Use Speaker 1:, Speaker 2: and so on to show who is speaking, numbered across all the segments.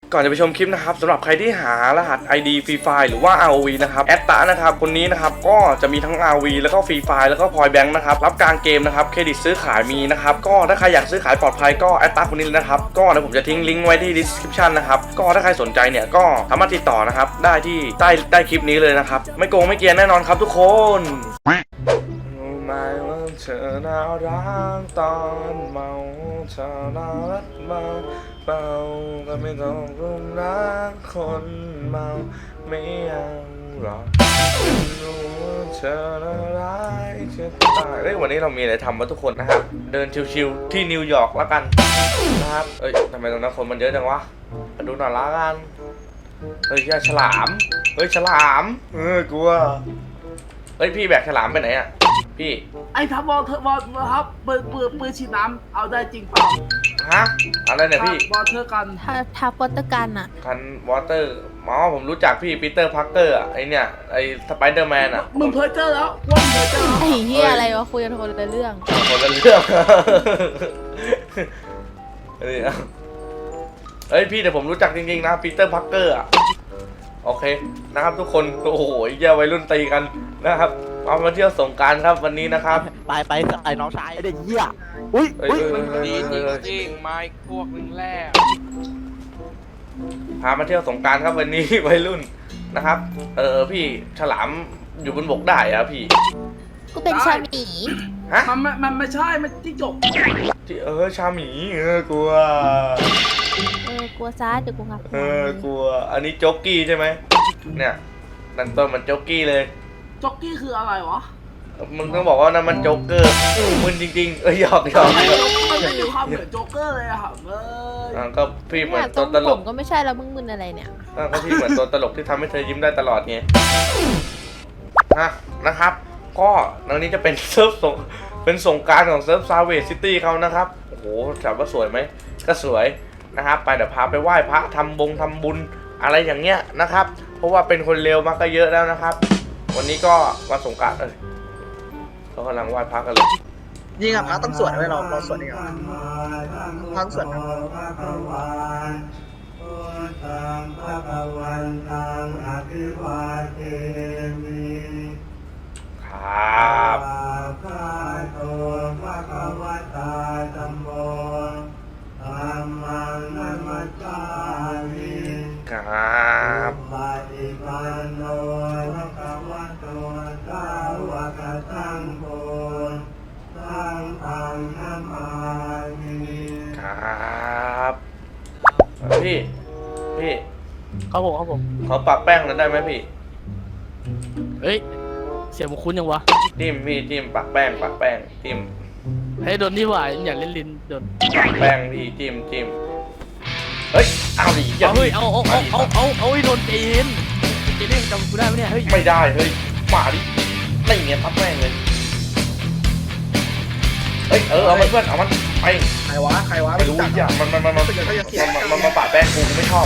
Speaker 1: ก่อนจะไปชมคลิปนะครับสำหรับใครที่หารหัส ID Free Fire หรือว่า ROV นะครับแอดตานะครับคนนี้นะครับก็จะมีทั้ง ROV แล้วก็ Free Fire แล้วก็ Point Bank นะครับรับกลางเกมนะครับเครดิตซื้อขายมีนะครับก็ถ้าใครอยากซื้อขายปลอดภัยก็แอดตาคนนี้นะครับก็เดี๋ยวผมจะทิ้งลิงก์ไว้ที่ description นะครับก็ถ้าใครสนใจเนี่ยก็สามารถติดต่อนะครับได้ที่ใต้คลิปนี้เลยนะครับไม่โกงไม่เกรียนแน่นอนครับทุกคนไม่ว่าเธอน่ารักตอนเมาเธอน่ารักเมาเมาก็ไม่ต้องรุมรักคนเมาไม่ยังหรอกรู้ว่าเธอน่ารักจะตายวันนี้เรามีอะไรทำมาทุกคนนะครับเดินชิวๆที่นิวยอร์กแล้วกันนะครับทำไมตรงนั้นคนมันเยอะจังวะมาดูหน่อยละกันฉลามฉลามกลัวพี่แบกฉลามไปไหนอ่ะพี่
Speaker 2: ไอ้ทับบอลครับปืนฉีดน้ำเอาได้จริงเปล่า
Speaker 1: ฮะอะไรเนี่ยพี่
Speaker 2: วอเตอร์กัน
Speaker 3: ทับวอเตอร์กันอะ
Speaker 1: กันวอเตอร์ผมรู้จักพี่ปีเตอร์พาร์เกอร์อะไอเนี่ยไอสไปเดอร์แมนอะ
Speaker 2: มึงเพอร์เจอร์แล้วว่ามึงเพอร์เจอร์แล้ว
Speaker 3: ไอ้เหี้ยอะไรวะคุยกันคนละเรื่อง
Speaker 1: พี่แต่ผมรู้จักจริงๆนะปีเตอร์พาร์เกอร์อะโอเคนะครับทุกคนโอ้โหเยี่ยวัยรุ่นตีกันนะครับมาเที่ยวสงกรานต์ครับวันนี้นะครับ
Speaker 4: ไปไอ้น้องชายไอ้เด็กเหี้ยอุ้ย
Speaker 5: มันดีจริงไม้พวกนึงแรก
Speaker 1: พามาเที่ยวสงกรานต์ครับวันนี้วัยรุ่นนะครับพี่ฉลามอยู่บนบกได้อะพี่
Speaker 3: กูเป็นชาหมี
Speaker 1: ฮะ
Speaker 2: มันไม่ใช่มันที่จบ
Speaker 1: ที่ชาหมีกลัว
Speaker 3: กลัวซ่าเดี๋ยวกูงับ
Speaker 1: กลัวอันนี้โจ๊กกี้ใช่ไหมเนี่ยนั่นต้นมันโจ๊กกี้เลย
Speaker 2: โจ๊กกี้คืออะไรวะ
Speaker 1: มึงต้องบอกว่านั่นมันโจ๊กเกอร์มึนจริงๆหยอก
Speaker 2: มันมีความเหมือนโจ๊กเกอร์เลยอะครับ
Speaker 1: ก็พี่เหมือนตัวตลก
Speaker 3: ก็ไม่ใช่แล้วมึนอะไรเนี่ย
Speaker 1: ก็พี่เหมือนตัวตลกที่ทำให้เธอยิ้มได้ตลอดไงนะครับก็ตอนนี้จะเป็นเซิร์ฟเป็นสงกรานต์ของเซิร์ฟซาเวจซิตี้เขานะครับโอ้โหถามว่าสวยไหมก็สวยนะครับไปเดี๋ยวพาไปไหว้พระทำบุญอะไรอย่างเงี้ยนะครับเพราะว่าเป็นคนเลวมาก็เยอะแล้วนะครับวันนี้ก็วันสงกรานต์เขากำลังไหว้พระกันเลย
Speaker 4: ยิงกับพระต้องสวดไว้เราสวดเองพระสวดครับ
Speaker 1: พี่
Speaker 4: ครับผม
Speaker 1: ขอปากแป้งนั้นได้ไหมพี่
Speaker 4: เสียงมันคุ้นยังวะ
Speaker 1: จิ้มพี่จิ้มปากแป้งจิ้ม
Speaker 4: ให้โดนที่ว่าอยากเล่นลิ้นโดน
Speaker 1: ปากแป้งพี่จิ้มเอาดิ
Speaker 4: เอาโดนจีนเล่นจำกูได้ไหมเนี่ย
Speaker 1: ไม่ได้มาดิไม่เงี้ยปากแป้งเลยเอามันเพื่อนเอามันไป
Speaker 4: ใครวะ
Speaker 1: ไม่รู้อย่ามันมาปาดแป้งกูไม่ชอบ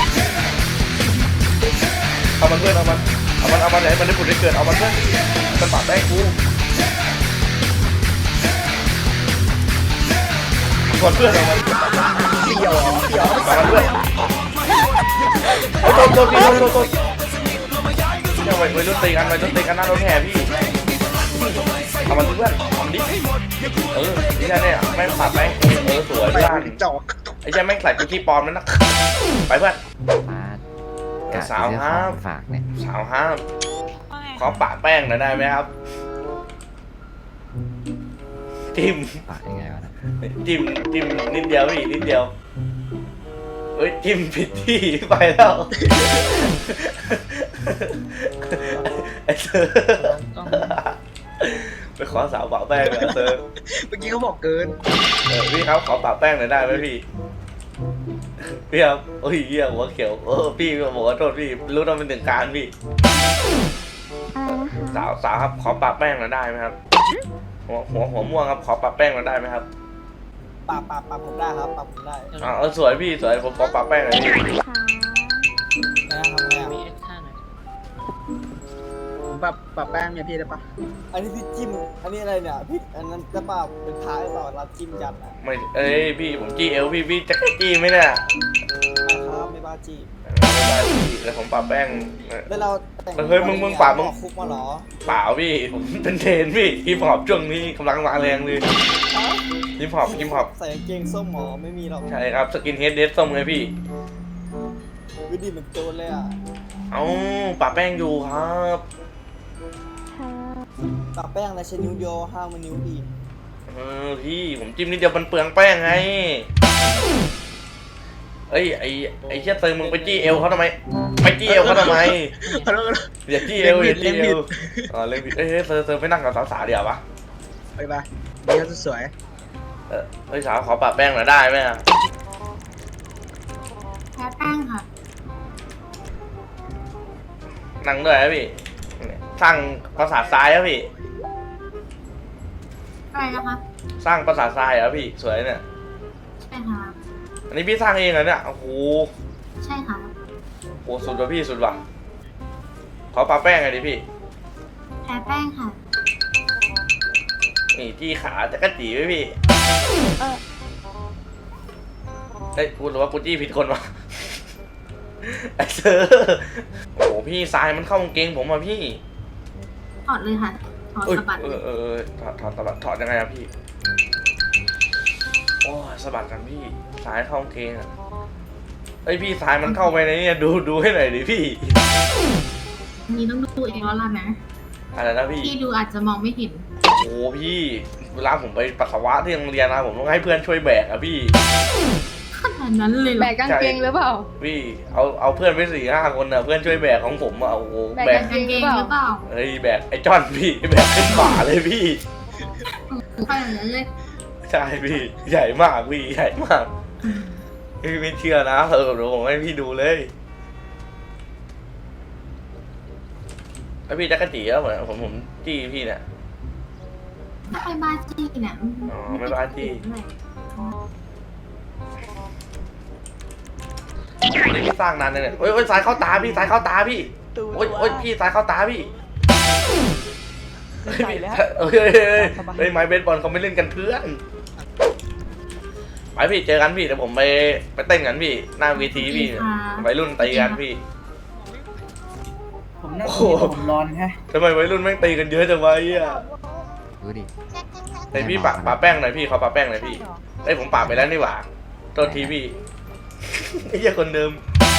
Speaker 1: เอามันเพื่อนเอามันให้มันได้ผุดได้เกิดเอามันเพื่อนมันปาดแป้งกูชวนเพื่อนเอามัน
Speaker 4: เดี่ยว
Speaker 1: เอามันเพื่อนโดนเนี่ยวัยรุ่นตีกันหน้ารถแห่พี่เอามันเพื่อนเอามันดินี่ใช่เนี่ยแม่งปาดแป้งสวยบ้านไอ้ใช่แม่งใส่กุชี่ปลอมนั่นนะไปเพื่อนสาวห้ามขอปะแป้งหน่อยได้ไหมครับจิ้ม
Speaker 6: ปะยังไงวะ
Speaker 1: จิ้มนิดเดียวพี่นิดเดียวจิ้มผิดที่ไปแล้วไอ้เธอไปขอสาวปะแป้งเลยเธอ
Speaker 4: เมื่อกี้เขาบอกเกิน
Speaker 1: พี่ครับขอปะแป้งหน่อยได้ไหมพี่ครับเหี้ยหัวเขียวพี่บอกว่าโทษพี่รู้ว่าเป็นถึงการพี่สาวครับขอปะแป้งหน่อยได้ไหมครับหัวม่วงครับขอปะแป้งหน่อยได้ไหมครับ
Speaker 4: ปะผมได้ครับปะผมได้
Speaker 1: สวยพี่สวยผมขอปะแป้งหน่อยพี่
Speaker 4: ปะแป้งเนี่ยพี่ได้ปะอันนี้พี่จิ้มอันนี้อะไรเนี่ยพี่อันนั้นจะปะเป็นท้ายต่อรับจิ้มยัน
Speaker 1: ไม่พี่ผมจี้เอลพี่จะจี้ไหมเนี่ย
Speaker 4: ครับไม่บ้าจี้
Speaker 1: ได้พี่แต่ผมปะแป้ง
Speaker 4: แล้วเราแต่ง
Speaker 1: เฮ้ยมึงปะมึง
Speaker 4: ออกคุกมาเหรอ
Speaker 1: เปล่าพี่ผมเป็นเทรนพี่ฮิปฮอปช่วงนี้กำลังมาแรงเลยฮิปฮอป
Speaker 4: ใส่กางเกงส้มหมอไม่มีหรอก
Speaker 1: ใช่ครับสกินเฮดเดสส้มไงพี่
Speaker 4: วิดีเหมือนโจรเลยอ่ะ
Speaker 1: เอ้าปะแป้งอยู่ครับ
Speaker 4: ปะแป้งอะไรใช้นิ้วเดียวห้ามมันนิ้วดี
Speaker 1: พี่ผมจิ้มนิดเดียวมันเปลืองแป้งไงเอ้ยไอ้เชี่ยเติมมึงไปจี้เอวเขาทำไมไปจี้เอวเขาทำไมอย่าจี้เอวอย่าจี้เอวอ๋อเล่นผิดเอ้ยเติมไปนั่งกับสาวๆเดี๋ยวปะ
Speaker 4: ไปปะเดี๋ยวสวย
Speaker 1: เฮ้ยสาวขอปะแป้งหน่อยได้ไหมอะ
Speaker 6: แพ้แป้งค่ะ
Speaker 1: นั่งด้วยนะพี่สร้างประสาททรายอะพี่
Speaker 6: อะไรนะคะ
Speaker 1: สร้างประสาททรายอะพี่สวยเนี่ย
Speaker 6: ใช่ค่ะ
Speaker 1: อันนี้พี่สร้างเองเหรอเนี่ยโอ้โห
Speaker 6: ใช่ค่ะ
Speaker 1: โหสุดว่ะพี่สุดว่ะขอปะแป้งหน่อยดิพี่
Speaker 6: แพ้แป้งค่ะ
Speaker 1: นี่ที่ขาจะกระจีไว้พี่เฮ้ยกูรู้ว่ากูจี้ผิดคนวะ ไอ้เซอร์โอ้โหพี่ทรายมันเข้ากางเกงผมอะพี่
Speaker 6: ถอดเลยค่ะ ถอด
Speaker 1: เอ้ย
Speaker 6: สะบัด
Speaker 1: ถอดยังไงอะพี่โอ้ยสะบัดกันพี่ทรายเข้ากางเกงอะเอ้ยพี่ทรายมันเข้าไปในนี่ดูให้หน่อยดิพี่
Speaker 6: อันนี้ต้องดูเองแล้วล่ะนะ
Speaker 1: อะไรนะพี่
Speaker 6: พี่ดูอาจจะมองไม่เห็น
Speaker 1: โอ้พี่เวลาผมไปปัสสาวะที่โรงเรียนนะผมต้องให้เพื่อนช่วยแบกอะพี่
Speaker 6: ขนาดนั้นเลยเหร
Speaker 3: แบ
Speaker 6: อก
Speaker 3: กางเกงหรือเปล่า
Speaker 1: พี่เอาเพื่อนไป4-5 คนนะเพื่อนช่วยแบกของผมอะโอ้โห
Speaker 3: แบก
Speaker 1: แบก
Speaker 6: กางเกงหรือเปล่า
Speaker 1: เฮ้ยแบกไอ้จอนพี่แบกขึ้นบ่าเลยพี่
Speaker 6: ขนาดนั้นเลย
Speaker 1: ใช่พี่ใหญ่มากพี่ใหญ่มากพี่ไม่เชื่อนะเดี๋ยวผมให้พี่ดูเลยแล้วพี่จักรจีแล้วเหมือนผมจี้พี่เนี่ย
Speaker 6: ถ้าไปบ้าจี้เนี่ย
Speaker 1: อ๋อไม่บ้าจี้ นี่พี่สร้างนานเลยเนี่ยโอ้ยสายเข้าตาพี่สายเข้าตาพี่โอ้ยพี่สายเข้าตาพี่เฮ้ยพี่เฮ้ยไม้เบสบอลเขาไม่เล่นกันเพื่อนไปพี่เจอกันพี่เดี๋ยวผมไปเต้นกันพี่หน้าเวทีพี่วัยรุ่นตีกันพี่
Speaker 4: ผมนั่ง
Speaker 1: โอ้
Speaker 4: กิน
Speaker 1: โห
Speaker 4: ผมร้อนแฮะ
Speaker 1: ทำไมวัยรุ่นแม่งตีกันเยอะจังวะไอ้เหี้ย
Speaker 7: ดูดิ
Speaker 1: ไอพี่ปะแป้งหน่อยพี่เขาปะแป้งหน่อยพี่ไอยผมปะไปแล้วนี่หว่าโทษทีพี่ ไอ้เหี้ยคนเดิม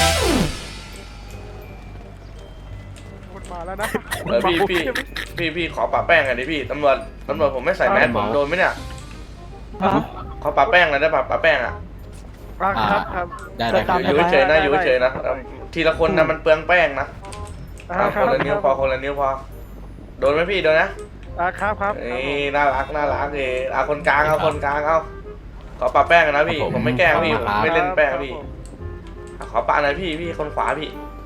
Speaker 5: คนมาแล้วนะ
Speaker 1: พี่ขอปะแป้งหน่อยดิพี่ตำรวจผมไม่ใส่แมสผมโดนไหมเนี่ยขอปะแป้งหน่อยได้ปะปะแป้งอ่ะ
Speaker 5: ครับ
Speaker 7: ได้เลยครับ
Speaker 1: อยู่เฉยนะอยู่เฉยนะทีละคนนะมันเปลืองแป้งนะคนละนิ้วพอคนละนิ้วพอโดนไหมพี่โดนนะครับ นี่น่ารักเอาคนกลางเอาขอปะแป้งนะพี่ผมไม่แกล้งพี่ผมไม่เล่นแป้งพี่ขอปะหน่อยพี่คนขวาพี่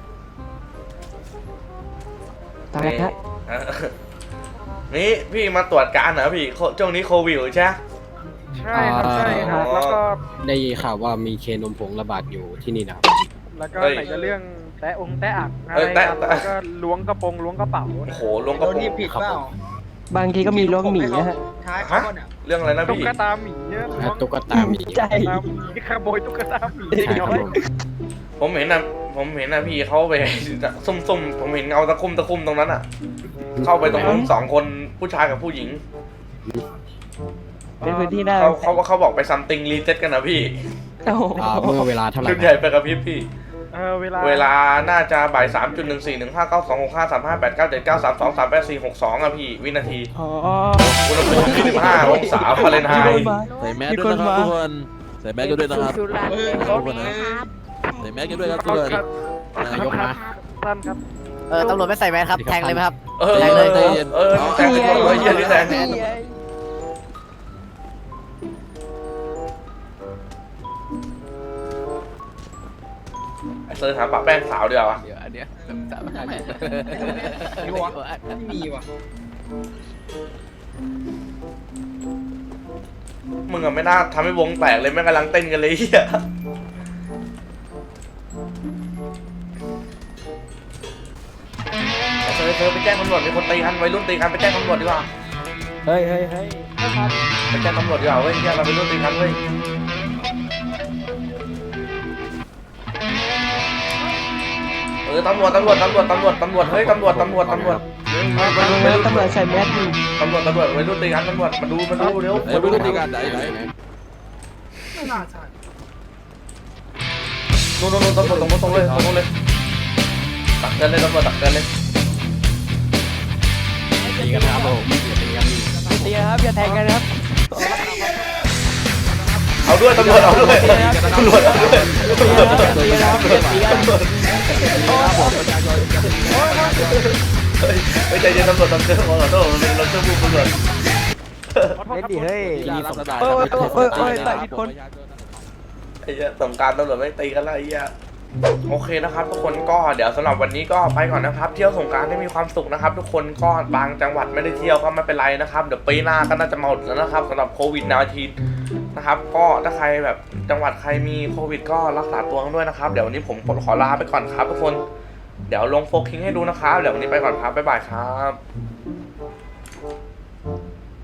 Speaker 7: ตายแล้ว
Speaker 1: นี่พี่มาตรวจการเหรอพี่ช่วงนี้โควิดใช่
Speaker 5: ใช่ครับแล้วก็
Speaker 7: ได้ข่าวว่ามีเคนมผงระบาดอยู่ที่นี่นะครับ
Speaker 5: ไหนจะเรื่องแตะอักอะไรครับแล้วก็ล้วงกระเป๋า
Speaker 1: โอ้โหลงก
Speaker 4: โด
Speaker 1: ระ
Speaker 4: น
Speaker 1: โปร
Speaker 4: นี่
Speaker 1: ง
Speaker 4: ผิดเปล่า
Speaker 8: บางทีก็มีล้วงหมีนะฮะ
Speaker 4: ท้ายเขาเนี่ย
Speaker 1: เรื่องอะไรนะ
Speaker 5: ตุ๊
Speaker 1: พี่
Speaker 5: กตาหมีเนี่ย
Speaker 7: ตุ๊กตาหมี
Speaker 8: ใช่
Speaker 5: ขโมยตุ๊กตาหมี
Speaker 7: ใช่ครับผม
Speaker 1: ผมเห็นนะพี่เขาไป ซุ่มผมเห็นเงาตะคุ่มตรงนั้นอ่ะ เข้าไปตรงนั้น2 คนผู้ชายกับผู้หญิง
Speaker 8: เป็นพื้นที่หน้า
Speaker 1: เขาบอกไปซัมติงรีเซ็ตกันนะพี่
Speaker 8: โอ้โห
Speaker 7: เมื่อเวลาเท่าไหร่
Speaker 1: ชุดใหญ่ไปกับพี่
Speaker 5: เวลา
Speaker 1: น่าจะบ่าย 3.1415926535897932384462อ่ะพี่วินาที
Speaker 8: อ๋อ
Speaker 1: อุณหภูมิ25 องศาฟาเรนไฮ
Speaker 8: มีคน
Speaker 1: ต์
Speaker 8: มา
Speaker 9: ใส่แมสด้วยนะครับทุกคนใส่แมสกันด้วยนะครับ
Speaker 3: สุราษฎร์เลย
Speaker 9: ทุกคนนะใส่แมสกันด้วยครับทุกคน
Speaker 7: นายกมา
Speaker 5: สั้นครับ
Speaker 4: ตำรวจไม่ใส่แมสครับแทงเลยไหมครับ
Speaker 1: แทงเลยแทงเลยเยี่ยนี่แทง
Speaker 8: นี่ไง
Speaker 1: ไอ้เซิร์ชหาปะแป้งสาวเดียวอ่ะ
Speaker 9: เดี๋ยวอันเนี้ยสามารถ
Speaker 4: ไม่มีว่ะ
Speaker 1: มึงอะไม่น่าทำให้วงแตกเลยแม่งกำลังเต้นกันเลยเฮียเซิร์ชไปแจ้งตำรวจมีคนตีกันวัยรุ่นตีกันไปแจ้งตำรวจดีกว่า
Speaker 8: เฮ้ย
Speaker 1: ไปแจ้งตำรวจดีกว่าเว้ยเฮียเราวัยรุ่นตีกันเว้ยตำรวจเฮ้ยตำรวจ
Speaker 8: ตำรวจใส่แมสอยู่
Speaker 1: ตำรวจวัยรุ่นตีกันตำรวจมาดูเร็ว
Speaker 9: ไหนไม่รู้ตีกันไหน
Speaker 2: ไม่น่าใช่
Speaker 1: นู่นตำรวจตรงเลยตักเตือนเลยตำรวจตักเตือนเลย
Speaker 7: ตีกันนะครับผมตีกัน
Speaker 8: ตีครับอย่าแทงกันครับ
Speaker 1: เอาด้วยตำรวจเอาด้วยตำรวจเอาด้วย
Speaker 8: ตีครับตีกัน
Speaker 1: ไม่ใจเย็นตำรวจขอโทษเราเชื่อผู้ตำรวจ
Speaker 8: เล่นดิเฮ้ย
Speaker 1: ไอ้เหี้ยสงกรานต์ตำรวจไม่ตีกันแล้วไอ้เหี้ยโอเคนะครับทุกคนก็เดี๋ยวสำหรับวันนี้ก็ไปก่อนนะครับเที่ยวสงกรานต์ให้มีความสุขนะครับทุกคนก็บางจังหวัดไม่ได้เที่ยวก็ไม่เป็นไรนะครับเดี๋ยวปีหน้าก็น่าจะหมดแล้วนะครับสำหรับโควิด-19 นะครับก็ถ้าใครแบบจังหวัดใครมีโควิดก็รักษาตัวกันด้วยนะครับเดี๋ยววันนี้ผมขอลาไปก่อนครับทุกคนเดี๋ยวลงโฟกิงให้ดูนะครับเดี๋ยววันนี้ไปก่อนครับบ๊ายบายครับ